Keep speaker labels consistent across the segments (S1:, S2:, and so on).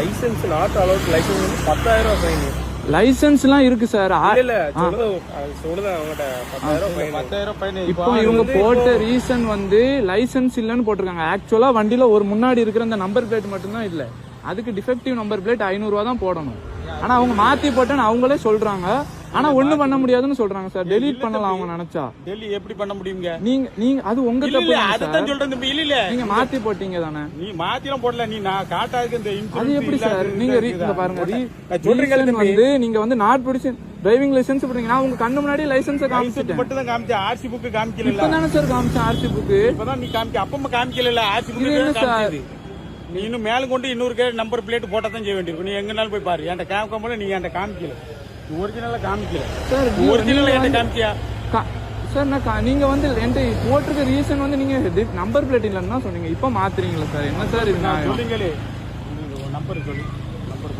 S1: Licence not allowed licence வந்து 10,000 fine.
S2: லைசென்ஸ்லாம் இருக்கு sir.
S1: இல்ல சொல்லுதான் அவங்ககிட்ட 10,000 ஃபைன்.
S2: இப்போ இவங்க போட்ட ரீசன் வந்து லைசென்ஸ் இல்லன்னு போட்டிருக்காங்க. ஆக்சுவலா வண்டியில ஒரு முன்னாடி இருக்கிற அந்த நம்பர் பிளேட் மட்டும்தான் இல்ல. அதுக்கு டிஃபெக்டிவ் நம்பர் பிளேட் 500 ரூபா தான் போடணும். ஆனா அவங்க மாத்தி போட்டேன்னு அவங்களே சொல்றாங்க. ஆனா ஒண்ணும் பண்ண முடியாதுன்னு சொல்றாங்க சார். டெலீட் பண்ணலாம் அவங்க நினைச்சா.
S3: டெலீட் எப்படி பண்ண முடியுங்க?
S2: நீங்க அது உங்க தப்பு.
S3: அதுதான் சொல்றேன் தம்பி. இல்ல
S2: நீங்க மாத்தி போட்டீங்க தானே.
S3: நீ மாத்திலாம் போடல. நீ நான் காட்டாதுக்கு இந்த
S2: அது எப்படி சார்? நீங்க பாருங்க சொல்றீங்க வந்து நீங்க வந்து நாட் ப்ரொடியூஸ் டிரைவிங் லைசென்ஸ் போடுறீங்க. நான் உங்க கண்ணு முன்னாடி லைசென்ஸ் காமிச்சிட்டேன்.
S3: மட்டும் தான் காமிச்சேன். ஆர்சி புக் காமிக்கல.
S2: இப்பதானே சார் காமிச்சேன் ஆர்சி புக்.
S3: இப்பதான் நீ காமிக்க. அப்பமா காமிக்கல. ஆர்சி புக் காமிச்சது. நீ இன்னும் மேல கொண்டு இன்னொரு நம்பர் பிளேட் போட்டா தான் செய்ய வேண்டியிருக்கும். நீ எங்கனாலும் போய் பாரு. என்கிட்ட காமிக்காம நீங்க என்கிட்ட காமிக்கல. ஒரிஜினலா காமிக்கல சார். ஒரிஜினலா என்கிட்ட காமிக்கியா
S2: சார்? நான் நீங்க வந்து என்கிட்ட போட்டிருக்க ரீசன் வந்து நீங்க நம்பர் பிளேட் இல்லைன்னு தான் சொன்னீங்க. இப்ப மாத்துறீங்களா சார்? என்ன சார் இது?
S3: சொல்லுங்களே நம்பர் சொல்லு. நம்பர்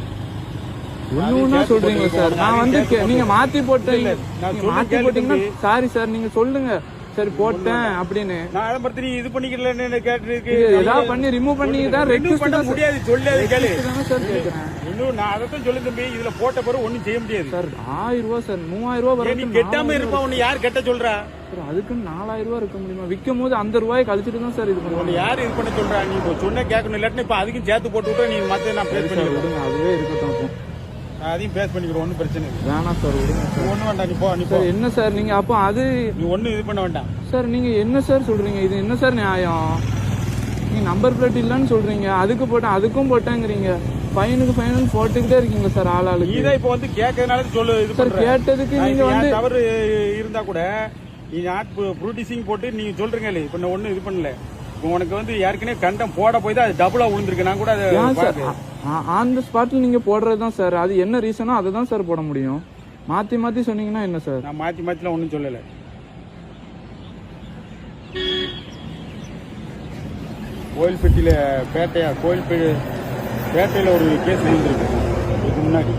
S2: ஒண்ணுன்னா சொல்றீங்களா சார்? நான் வந்து நீங்க மாத்தி போட்டீங்க. மாத்தி போட்டீங்கன்னா சாரி சார் நீங்க சொல்லுங்க. சரி போட்டேன் அப்படின்னு
S3: நான் பத்தி நீ இது பண்ணிக்கலன்னு கேட்டிருக்கு.
S2: ஏதாவது பண்ணி ரிமூவ் பண்ணி தான் ரெக்வெஸ்ட் பண்ண
S3: முடியாது. சொல்லாது கேளு
S2: சார் கேக்குறேன்.
S3: இன்னும் நான் அதான் சொல்லு தம்பி. இதுல போட்ட பிறகு ஒண்ணும் செய்ய முடியாது
S2: சார். 1000 ரூபாய் சார். 3000 ரூபாய் வரும்.
S3: நீ கெட்டாம இருப்பா. உன்னை யார் கெட்ட சொல்றா?
S2: அதுக்கு 4000 ரூபாய் இருக்க முடியுமா? விற்கும் போது அந்த ரூபாயை கழிச்சிட்டு தான் சார் இது பண்ணுவோம்.
S3: யாரு இது பண்ண சொல்றா? நீ சொன்ன கேட்கணும். இல்லாட்டி இப்ப அதுக்கும் சேர்த்து போட்டு விட்டா நீ மத்த நான் பேஸ் பண்ணி விடுங்க.
S2: அதுவே இருக்கட்டும்.
S3: அதையும் பேஸ் பண்ணிக்கிறோம். ஒன்னும் பிரச்சனை இல்லை.
S2: வேணாம் சார் விடுங்க.
S3: ஒண்ணு வேண்டாம். நீ போ. நீ போ.
S2: என்ன சார் நீங்க அப்போ அது
S3: நீ ஒண்ணு இது பண்ண வேண்டாம்
S2: சார். நீங்க என்ன சார் சொல்றீங்க? இது என்ன சார் நியாயம்? நீங்க நம்பர் பிளேட் இல்லன்னு சொல்றீங்க. அதுக்கு போட்டேன் அதுக்கும் போட்டேங்கிறீங்க. ஃபைனுக்கு ஃபைனல் போட்டுக்கிட்டே இருக்கீங்க சார். ஆளாளுக்கு
S3: நீதான் இப்ப வந்து கேட்கறதுனால சொல்லு. இது
S2: சார் கேட்டதுக்கு நீங்க வந்து
S3: தவறு இருந்தா கூட நீ நாட் ப்ரொடியூசிங் போட்டு நீங்க சொல்றீங்க. இப்ப நான் ஒண்ணு இது பண்ணல. உனக்கு வந்து ஏற்கனவே கண்டம் போட போய் தான் அது டபுளா விழுந்திருக்கு. நான் கூட
S2: ஆன் த ஸ்பாட்ல நீங்க போடுறதுதான் சார். அது என்ன ரீசனோ அதை தான் சார் போட முடியும். மாத்தி மாத்தி சொன்னீங்கன்னா என்ன சார்?
S3: நான் மாத்தி மாத்திலாம் ஒன்னும் சொல்லல. கோயில்பட்டியில பேட்டையில ஒரு கேஸ் இருந்திருக்கு. இதுக்கு முன்னாடி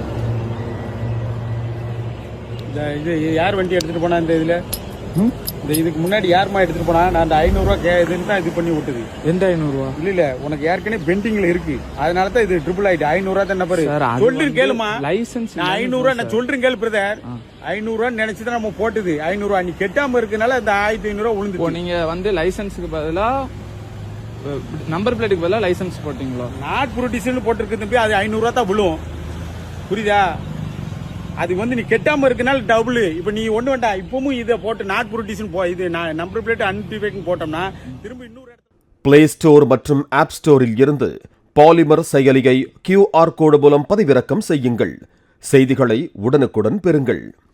S3: இது யார் வண்டி எடுத்துட்டு போனா இந்த இதுல இதுக்கு முன்னாடி யாருமா எடுத்துட்டு போனா? நான் அந்த 500 ரூபா இதுன்னு தான் இது பண்ணி விட்டுது.
S2: எந்த 500 ரூபா?
S3: இல்ல உனக்கு ஏற்கனவே பெண்டிங்ல இருக்கு. அதனாலதான் இது ட்ரிபிள் ஆயிட்டு. 500 ரூபா தான் நம்பர். சொல்றேன் கேளுமா.
S2: லைசன்ஸ்
S3: 500 ரூபா நான் சொல்றேன் கேளு பிரதர். 500 ரூபா நினைச்சுதான் நம்ம போட்டுது. 500 ரூபா நீ கெட்டாம இருக்கனால அந்த 1500 ரூபா விழுந்து.
S2: நீங்க வந்து லைசன்ஸுக்கு பதிலா நம்பர் பிளேட்டுக்கு பதிலா லைசன்ஸ் போட்டீங்களா?
S3: நாட் ப்ரொடியூசர்னு போட்டிருக்கு தம்பி. அது 500 ரூபா தான் விழும். புரியுதா? அது வந்து நீ கெட்டாம இருக்கனால டபுள். இப்ப நீ ஒண்ணு வேண்டாம். இப்பவும் இதை போட்டு நாட் ப்ரொடியூசன் இது நம்பர் பிளேட் அன்டிஃபைன் போட்டோம்னா திரும்ப இன்னொரு
S4: பிளே ஸ்டோர் மற்றும் ஆப் ஸ்டோரில் இருந்து பாலிமர் செயலியை QR கோடு மூலம் பதிவிறக்கம் செய்யுங்கள். செய்திகளை உடனுக்குடன் பெறுங்கள்.